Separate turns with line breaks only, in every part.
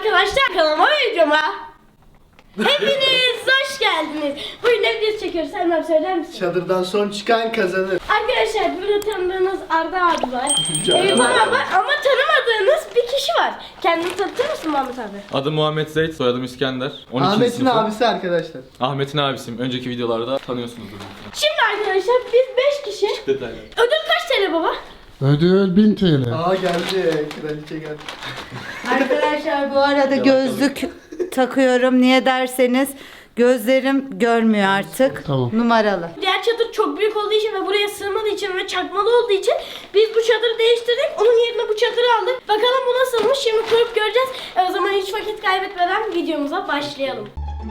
arkadaşlar, kanalıma ve videoma hepiniz hoş geldiniz. Bugün ne videosu çekiyoruz? Sen söyler misin?
Çadırdan son çıkan kazanır.
Arkadaşlar burada tanıdığınız Arda abi var. Eyüp abi var ama tanımadığınız bir kişi var. Kendini tanıtır mısın Muhammed abi?
Adım Muhammed Zeyt, soyadım İskender. 12.
Ahmet'in
sınıfım.
abisi arkadaşlar.
Ahmet'in abisiyim. Önceki videolarda tanıyorsunuzdur.
Şimdi arkadaşlar biz 5 kişi.
Detaylı.
Ödül kaç TL baba?
Ödül 1000 TL.
Aa geldi. Kraliçe geldi.
Arkadaşlar bu arada gözlük takıyorum. Niye derseniz gözlerim görmüyor artık.
Tamam.
Numaralı.
Diğer çadır çok büyük olduğu için ve buraya sığmadığı için ve çakmalı olduğu için biz bu çadırı değiştirdik. Onun yerine bu çadırı aldık. Bakalım bu nasılmış? Şimdi kurup göreceğiz. O zaman hiç vakit kaybetmeden videomuza başlayalım.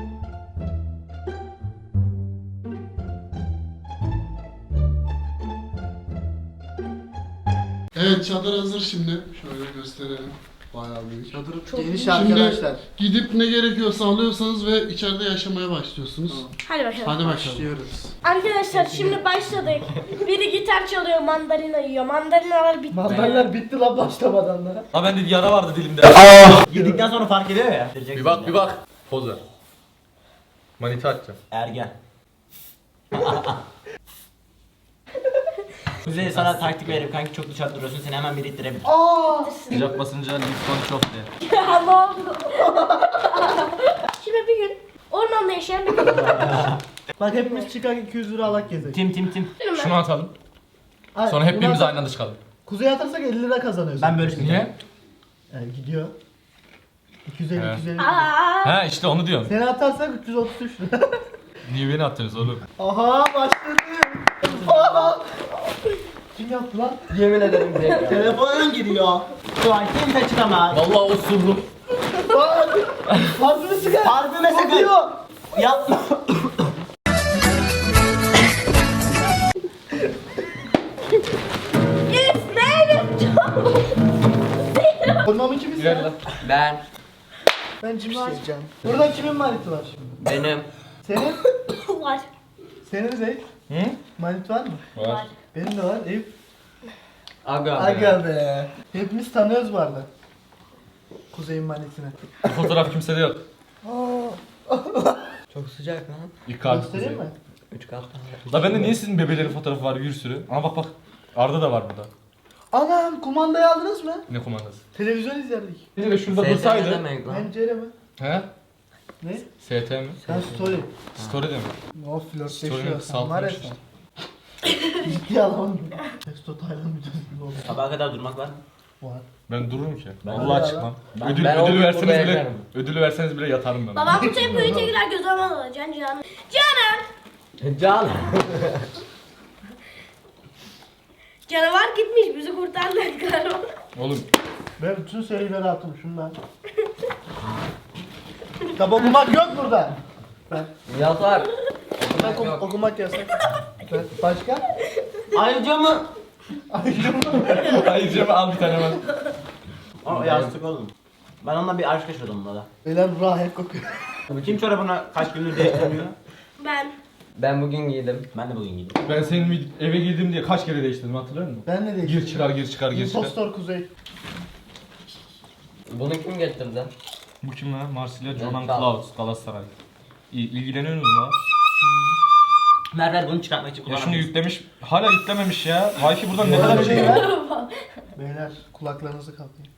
Evet, çadır hazır şimdi. Şöyle gösterelim. Bayağı büyük.
Çadır çok geniş
Şimdi
arkadaşlar.
gidip ne gerekiyorsa alıyorsanız ve içeride yaşamaya başlıyorsunuz.
Hadi bakalım.
Hadi bakalım.
Başlıyoruz.
Arkadaşlar şimdi başladık. Biri gitar çalıyor, mandalina yiyor. Mandalinalar bitti.
Mandaller bitti lan başlamadan da.
Ha ben de yara vardı dilimde.
Yedikten sonra fark ediyor ya.
Bir bak bir bak. Poz ver. Manita atacağım.
Ergen. Kuzey sana taktik veririm kanki, çok dışarı duruyorsun, seni hemen biri ittirebilir.
Sıcak basınca lütfen çok de.
Ya ne oldu? Şimdi bir gün ormanda yaşayan bir kadın var.
Bak hepimiz çıkan 200 lira alak gezek.
Tim.
Şunu atalım. Sonra hep birimiz aynı anda çıkalım.
Kuzeye atarsak 50 lira kazanıyoruz.
Ben böyle
Niye?
Gidiyor. 250
He.
250.
Aa,
Ha işte onu diyorum.
Seni atarsak 333 lira.
Niye beni attınız oğlum?
Aha başladı. Aha. Kim yaptı lan?
Yemin ederim direkt. Telefonun giriyor. Şu an kimse çıkamaz.
Vallahi osurdum.
Bak. Parfümü çıkar.
Parfüme sakın.
Kokuyor.
Yapma.
Ormamı kim
Gel
ister?
lan.
Ben.
Ben kim isteyeceğim? Burada kimin maniti var şimdi?
Benim.
Senin?
var.
Senin Zeyd?
Hı?
Manit var mı?
Var.
Benim de var. Eyüp.
Aga.
Aga be. Hepimiz tanıyoruz bu arada. Kuzey'in manitini.
Bu fotoğraf kimsede yok.
Çok sıcak lan.
İlk kalp
Göstereyim mi?
3 kat.
La bende niye sizin bebelerin fotoğrafı var bir sürü? Ama bak bak. Arda da var burada.
Anam kumandayı aldınız mı?
Ne kumandası?
Televizyon izlerdik.
Bir de şurada
STM
dursaydı.
demek lan.
Pencere mi?
He?
Ne?
ST mi?
Sen story.
Story de mi?
O
Story'nin
flörtleşiyor. Sen var ya
kısaltılmış
sen. Ciddi alamadım. Testo Taylan videosu gibi oldu.
Sabaha kadar durmak var.
Var.
Ben dururum ki.
Ben
Vallahi
de
çıkmam.
Ben-
ödül
ben o
ödül
gün
verseniz
burada
bile
yakarım.
ödül verseniz bile yatarım ben.
Babam bu tempoyu tekrar göz almalı. Can.
Can.
Canavar gitmiş, bizi kurtardı galiba.
Oğlum
Ben bütün serileri attım şundan. Kitap okumak yok burada.
Yatar.
Okumak yasak. Başka?
Ayrıca mı?
hayır Cem al bir tane ben.
O yastık oğlum. Ben onunla bir aşk yaşadım burada.
Beyler rahip kokuyor.
Kim çorabına kaç gündür değiştirmiyor?
Ben.
Ben bugün giydim.
Ben de bugün giydim.
Ben senin eve girdim diye kaç kere değiştirdim hatırlıyor musun?
Ben ne diyeyim?
Gir çıkar gir çıkar gir çıkar.
Impostor Kuzey.
Bunu kim getirdi?
Bu kim lan? Marsilya Jonan
Ben-
Klaus Galatasaray. İlgileniyorsunuz mu?
Merver bunu çıkartmak için
Ya şunu
kullanamıyorsun.
yüklemiş. Hala yüklememiş ya. Wi-Fi buradan ne kadar şey var?
Beyler kulaklarınızı kapayın.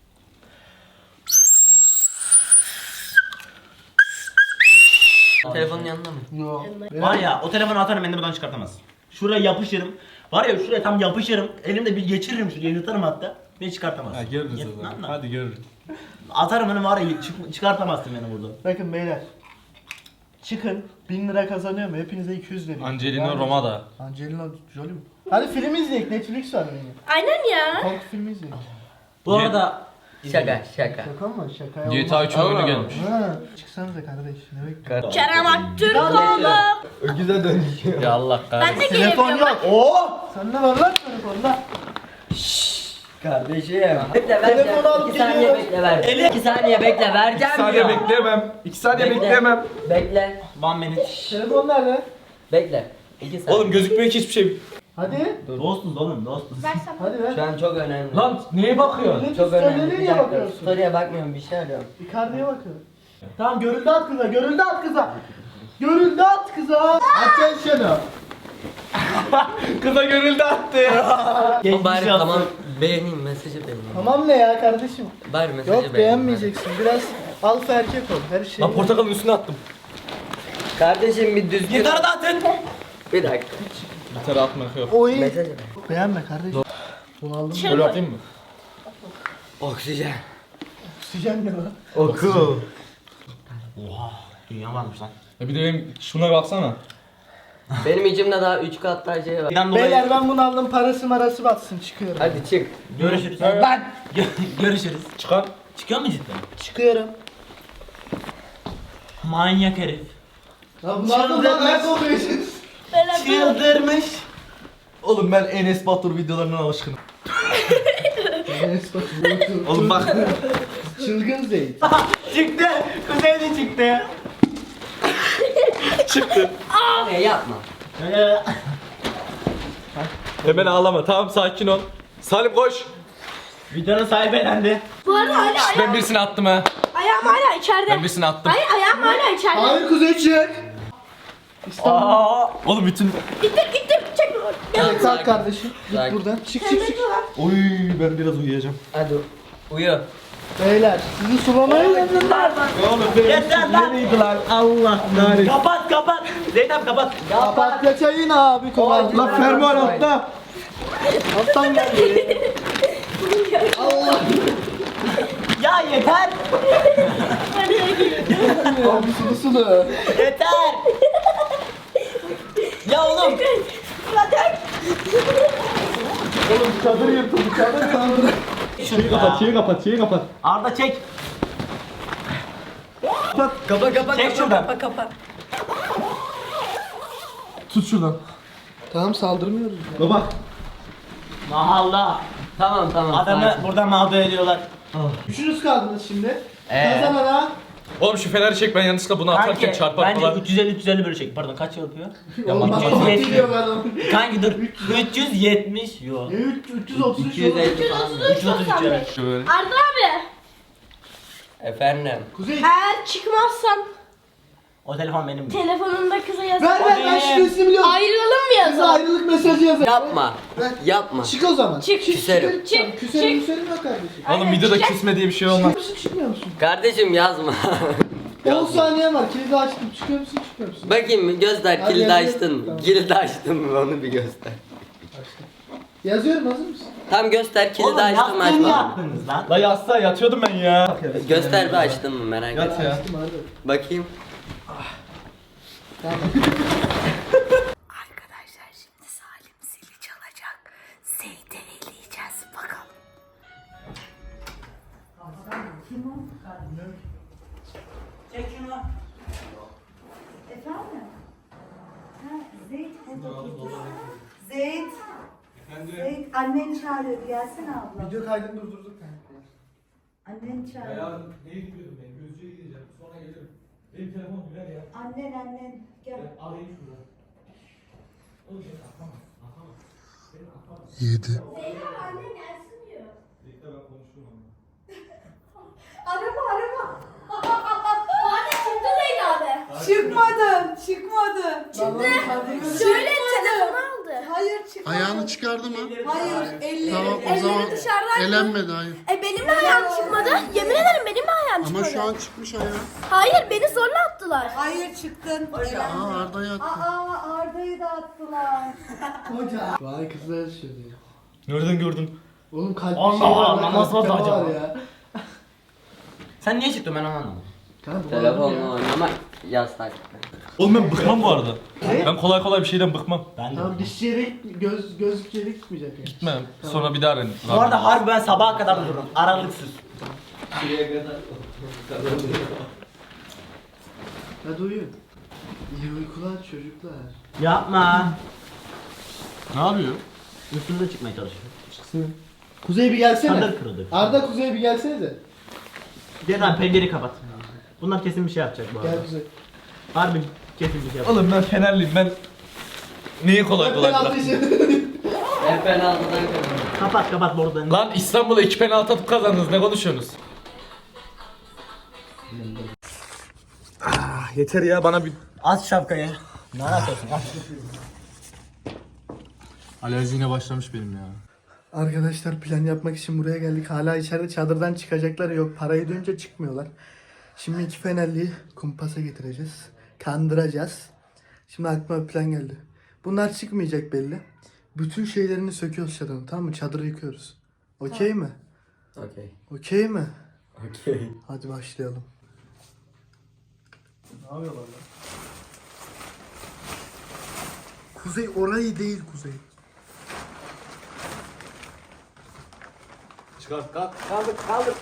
Telefonun yanında mı?
Yo.
Var ya, o telefonu atarım, beni de buradan çıkartamaz. Şuraya yapışırım. Var ya, şuraya tam yapışırım. Elimde bir geçiririm, şuraya yırtarım hatta. Beni çıkartamaz.
Ha görürüz
Yet-
o zaman.
lan lan.
Hadi görürüz.
Atarım onu, var ya, çıkartamazsın beni buradan.
Bakın beyler. Çıkın 1000 lira kazanıyor mu? Hepinize 200 veriyor.
Angelina Roma'da.
Angelina Jolie mi? Hadi film izleyek. Netflix var benim.
Aynen ya.
Korku filmi izleyek.
Bu arada
Şaka.
Şaka mı? Şaka yok.
GTA 3'ün oyunu gelmiş.
Ha, çıksanıza kardeş. Ne bekliyorsun?
Kerem Aktürkoğlu.
Öküze dönüşüyor.
Ya Allah
Ben
kahretsin.
de
Telefon
gelebiliyorum.
yok. Oo! Sen ne var lan telefonda?
Kardeşim. Bekle
Telefonu alıp
2 saniye
geliyoruz.
bekle ver. 2 saniye bekle vereceğim diyor.
bekleyemem. 2 saniye
Bekle.
one minute.
Telefon nerede?
Bekle. 2 saniye.
Oğlum gözükmüyor ki hiçbir şey.
Hadi.
Dostuz oğlum dostuz.
Versem.
Hadi ver.
Şu an çok önemli.
Lan neye bakıyorsun?
Çok önemli. Bir
Nereye
dakika.
bakıyorsun?
Story'e bakmıyorum bir şey arıyorum.
Icardi'ye bakıyorum. Tamam görüldü at kıza, görüldü at kıza. Görüldü at kıza. Atacaksın şunu.
Kıza görüldü attı.
Geçmiş
Bari
olsun.
tamam beğeneyim mesajı beğeneyim.
Tamam ne ya kardeşim?
Bari mesajı
Yok
beğeneyim.
beğenmeyeceksin. Biraz alfa erkek ol. Her şey.
Lan portakalın üstüne attım.
Kardeşim bir düzgün.
Gitarı da atın.
Bir dakika.
Gitarı atmak yok.
Oy.
Mesajı beğen.
Beğenme kardeşim. Bunu aldım.
Böyle atayım mı?
Oksijen.
Oksijen ne lan?
Oku.
Oha dünya varmış lan.
Bir de benim şuna baksana.
Benim içimde daha 3 kat daha şey var.
Birden dolayı
Beyler ben bunu aldım. Parası marası batsın. Çıkıyorum.
Hadi çık.
görüşürüz.
Ben
Görüşürüz.
Çıkar.
Çıkıyor mu cidden?
çıkıyorum.
Manyak herif.
Ya bunu aldım lan. Ne kovuyorsunuz?
Beraber.
Çıldırmış.
Oğlum ben Enes Batur videolarından alışkınım. Oğlum bak.
Çılgın Zeyt.
Çıktı. Kuzey de çıktı.
Ne yapma.
Hemen ağlama. Tamam sakin ol. Salim koş.
Videonun sahibi elendi.
Bu arada hala
Ben
ayağım,
birisini attım ha.
ayağım hala içeride.
Ben birisini attım.
Hayır ayağım hala içeride.
Hayır Kuzey çık. İstanbul.
Oğlum bütün...
Gittim çek.
Evet, kalk kardeşim. Git
Sakin.
buradan. Çık çık çık.
Oy ben biraz uyuyacağım.
Hadi uyu.
Beyler sizi sulamaya geldim.
Yeter lan.
Allah narin.
Kapat kapat. Zeynep kapat.
Papatya çayın abi kolay.
Lan fermuar altta.
Alttan geldi.
Ya yeter.
Abi sulu sulu.
Yeter. Ya oğlum.
Oğlum çadır yırtıldı çadır yırtıldı.
Şeyi kapat, şeyi kapat.
Arda çek.
Kapa
Çek şuradan.
kapa.
Tut şuradan.
Tamam saldırmıyoruz.
Baba.
Mahalla.
Tamam.
Adamı
sakin.
burada mağdur ediyorlar.
Üçünüz kaldınız şimdi. Kazanana.
Oğlum şu feneri çek ben yanlışlıkla bunu atarken
Kanki
çarpar
bence
falan.
350 bölecek. Pardon kaç yapıyor?
Olmaz.
370.
Biliyor ben onu.
Kanki dur. 370 yok.
Ne 333
250 falan.
333 evet.
Şöyle.
Arda abi.
Efendim.
Kuzey.
Eğer çıkmazsan
O telefon benim.
telefonunda kıza yazın.
Ver ben şifresini biliyorum.
Ayrılalım mı
Size
yazalım?
ayrılık mesajı yazar.
Yapma. Yapma.
Çık o zaman.
Çık.
Küserim.
Çık.
Küserim
Çık.
küserim yok kardeşim.
Oğlum videoda kesme diye bir şey olmaz.
Çıkıyor musun çıkmıyor musun?
Kardeşim yazma.
10 saniye var. Kilidi açtım. Çıkıyor musun çıkmıyor musun?
Bakayım mı? Göster.
Hadi
Kilidi
yazıyorum.
açtın mı?
Tamam.
Kilidi açtın mı? Onu bir göster.
Yazıyorum hazır mısın?
Tam göster. Kilidi
Oğlum
açtın mı
yaptın
açmadın mı?
yaptınız lan.
La yatsa yatıyordum ben ya.
Göster bir açtın mı merak
Yat
etme.
ya.
Açtım hadi.
Bakayım.
Arkadaşlar şimdi Salim zili çalacak. Zeyt'i eleyeceğiz bakalım.
Çek şunu.
Efendim? Ha, Zeyt Zeyt. Zeyt annen çağırıyordu gelsene abla.
Video kaydını durdurduk kanka.
Annen çağırıyor.
neye gidiyordum ben? Gözcüye gideceğim. Sonra gelirim. Benim telefon güler ya.
Annen gel.
Arayayım şurada.
7.
Bekle ben konuşurum onunla.
Araba.
Hadi çıktı Zeyn abi.
Çıkmadı.
Şöyle telefonu aldı.
Hayır çıkmadı.
Ayağını çıkardı mı?
Hayır elleri.
Tamam o
Elleri
zaman
dışarıdan.
elenmedi hayır.
Benim de ayağım çıkmadı. Yemin ederim benim de ayağım çıkmadı.
Ama şu an çıkmış ayağı.
Hayır beni zorla attılar.
Hayır çıktın.
Aa Arda'yı attı.
Arda'yı da attılar.
Hoca. Vay kızlar yaşıyor ya.
Nereden gördün?
Oğlum kalp
Allah
bir şey var.
Allah,
kalp
nasıl oldu
tema
acaba?
var ya.
Sen niye çıktın ben onu anlamadım.
Kanka, bu
Telefonla
adam ya.
oynamak yasak.
Oğlum ben bıkmam bu arada. Ben kolay kolay bir şeyden bıkmam.
Ben de.
Tamam dişçi yere gözlük yere gitmeyecek yani.
Gitmem. Sonra bir daha arayın.
Bu arada harbi ben sabaha kadar dururum. Aralıksız.
Hadi uyuyun. İyi uykular çocuklar.
Yapma.
Ne yapıyor?
Üstünde çıkmaya çalışıyor.
Çıksın. Kuzey bir gelsene.
Çadır kırıldı.
Arda Kuzey bir gelsene de.
Gel lan pencereyi kapat. Bunlar kesin bir şey yapacak bu arada.
Gel Kuzey.
Harbi kesin bir şey yapacak.
Oğlum ben Fenerliyim ben. Neyi kolay kolay
Penaltı
bıraktım?
işi.
penaltıdan kazandı.
Kapat bordolarını.
Lan İstanbul'a 2 penaltı atıp kazandınız. Ne konuşuyorsunuz? Yeter ya bana bir...
Aç şapkayı. Ne yapıyorsun?
Alerji yine başlamış benim ya.
Arkadaşlar plan yapmak için buraya geldik. Hala içeride çadırdan çıkacaklar yok. Parayı duyunca çıkmıyorlar. Şimdi iki Fenerli'yi kumpasa getireceğiz. Kandıracağız. Şimdi aklıma bir plan geldi. Bunlar çıkmayacak belli. Bütün şeylerini söküyoruz çadırın, tamam mı? Çadırı yıkıyoruz. Okey mi?
Okey.
Okey mi?
Okey.
Hadi başlayalım. Ne yapıyorlar lan? Kuzey orayı değil Kuzey.
Çıkart kalk.
Kaldır.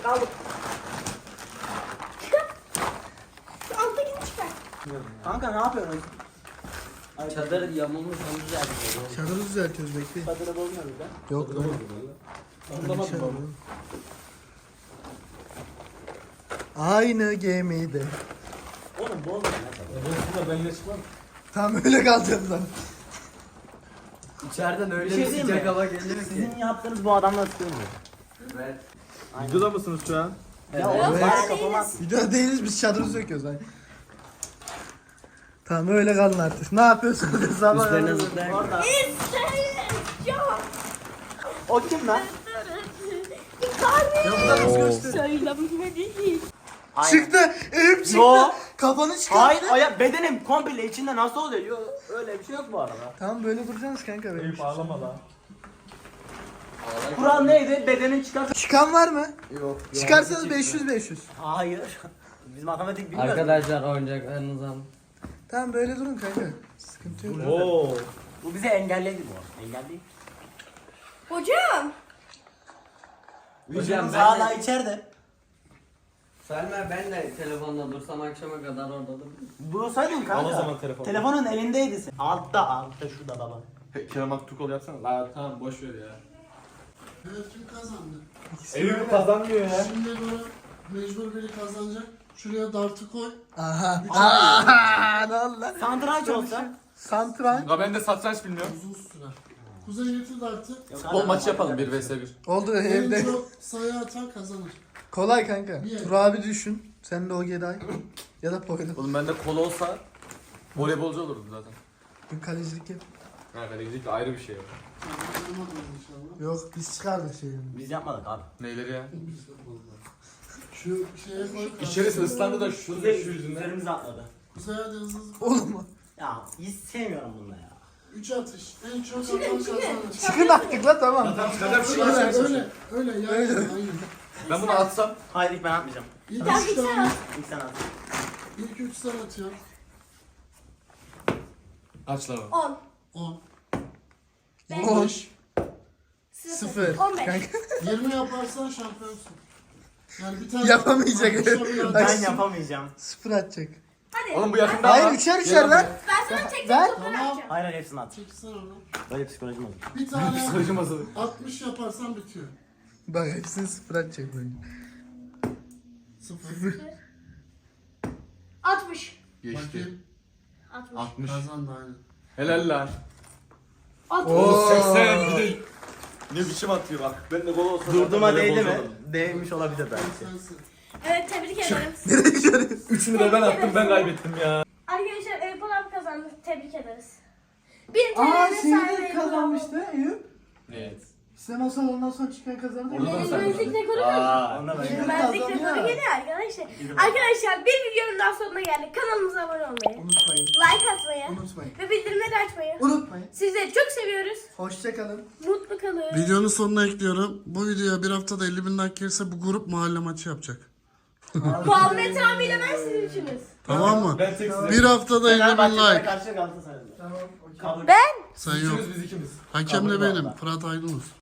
Alttakini çıkar.
Kanka ne yapıyorsun?
Çadır yamulmuş onu düzeltiyor.
Çadırı düzeltiyoruz, bekleyin.
Çadırı bozmuyoruz lan.
Yok lan.
Anlamadım abi.
Aynı gemide.
Oğlum bozma lan çadırı.
Ben yine çıkmam.
Tam öyle kalacağız lan.
İçeriden öyle
Bir şey
bir
diyeyim
sıcak
mi?
hava gelir ki.
Sizin yaptığınız bu adamla sıkılmıyor.
Evet.
Videoda mısınız şu an?
Ya oğlum bari kapamaz.
Video değiliz, biz çadırı söküyoruz hani. Tamam öyle kalın artık. Ne yapıyorsunuz? Sabah
Üstlerine zıplayan.
Orada.
Ya.
O kim lan?
Ya bu da nasıl göster?
Söylemedi.
Çıktı. Elim çıktı.
Yo.
Kafanı çıkarttı.
Hayır ayak bedenim komple içinde nasıl oluyor? Yo, öyle bir şey yok bu arada.
Tamam böyle duracaksınız kanka benim.
Ağlama lan.
Kural neydi? Bedenin çıkar.
Çıkan var mı?
Yok.
Çıkarsanız 500.
Hayır. Biz matematik bilmiyoruz.
Arkadaşlar oyuncaklarınızı alın.
Tamam böyle durun kanka. Sıkıntı yok.
Oo. Bu bize engelledi bu. Engelli.
Hocam.
Hocam
ben
hala
de-
içeride.
Selma ben de telefonda dursam akşama kadar orada dururum.
Bulsaydın kanka.
Al o zaman telefonu.
Telefonun elindeydi sen. Altta şurada baba.
Kerem Aktukol yapsana. La tamam boş ver ya.
Evet, kim kazandı?
Eyüp kazanmıyor ya.
Şimdi böyle mecbur biri kazanacak. Şuraya dartı koy.
Aha. Aha. Ne oldu lan?
Santraç olsa.
Santral.
Ya ben de satranç bilmiyorum.
Uzun süre. Kuzey getir dartı.
Futbol maçı yapalım 1 vs 1.
Oldu
En
evde.
çok sayı atan kazanır.
Kolay kanka.
Niye?
Tur abi düşün. Sen de o Geday. Ya da Poyraz.
Oğlum bende kol olsa voleybolcu olurdum zaten.
Dün kalecilik yap.
Ha kalecilik de ayrı bir şey.
Kazanamadım inşallah.
Yok biz çıkardık şeyini.
Biz yapmadık abi.
Neyleri ya?
Şu şeye koy.
İçerisi ıslandı da şu yüzünden.
Üzerimize atladı.
Kuzey hadi hızlı.
Oğlum mu?
Ya hiç sevmiyorum bunu ya.
3 atış. En çok atan kazanır.
Çıkın artık la tamam.
Tamam çıkaracağım bir şey
Öyle
yapacağım.
öyle. Öyle yani. Aynen.
Ben bunu atsam.
Hayır ilk ben atmayacağım.
İlk
Tamam,
3
ilk sen
tane.
at.
İlk sen at.
İlk 3 sen atıyorsun.
Kaç lan?
10.
10.
10.
15.
0.
15.
Kanka
20 yaparsan şampiyonsun. Yani bir tane
Yapamayacak.
Atışa
Ben
Ay,
yapamayacağım.
0 atacak.
Hadi.
Oğlum bu yakında
Hayır
ama.
üçer
Gel
lan.
lan
Ben sana tek
Ben-
tek toplar
Tamam.
atacağım.
Hayır hayır hepsini at.
çeksen onu.
Böyle psikolojim olur.
Bir tane
Psikolojim hazır.
60 yaparsan bitiyor.
Bak hepsini 0 atacak böyle.
0.
60.
Geçti.
Bakayım.
60.
60.
Kazandı aynen.
Helal lan.
60.
Oo.
80 bir de. Ne biçim atıyor bak. Ben de gol olsa.
Durduğuma
zaten
değdi mi?
voleybolcu olurdum.
Değmiş olabilir belki.
Sensin.
Evet tebrik ederim.
Nereye gidiyorsun?
Üçünü de ben attım ben kaybettim ya.
Arkadaşlar Eyüp abi kazandı. Tebrik ederiz. Bir
Aa
TL'nin
şeyi
sahibi
de
Eyüp abi.
kazanmıştı Eyüp.
Evet.
Sen o salondan sonra çıkan kazandı.
Orada da
Benim
sen
müzik
kazandın.
rekoru var.
Onda ben.
Müzik rekoru geliyor arkadaşlar. Arkadaşlar bir videonun daha sonuna geldik. Kanalımıza abone olmayı,
Unutmayın.
like atmayı
Unutmayın.
ve bildirimleri açmayı.
Unutmayın.
Sizleri çok seviyoruz.
Hoşçakalın.
Mutlu kalın.
Videonun sonuna ekliyorum. Bu videoya bir haftada 50.000 like gelirse bu grup mahalle maçı yapacak.
Muhammed abiyle ben sizin içiniz.
Tamam mı?
Ben tek size.
Bir haftada 50.000
Fenerbahçe'ye
like.
karşı Galatasaray'da.
Tamam. Okey.
Kabul.
Ben
Sen yok.
Biz ikimiz.
Hakem de
Kabul
benim.
valla.
Fırat Aydınus.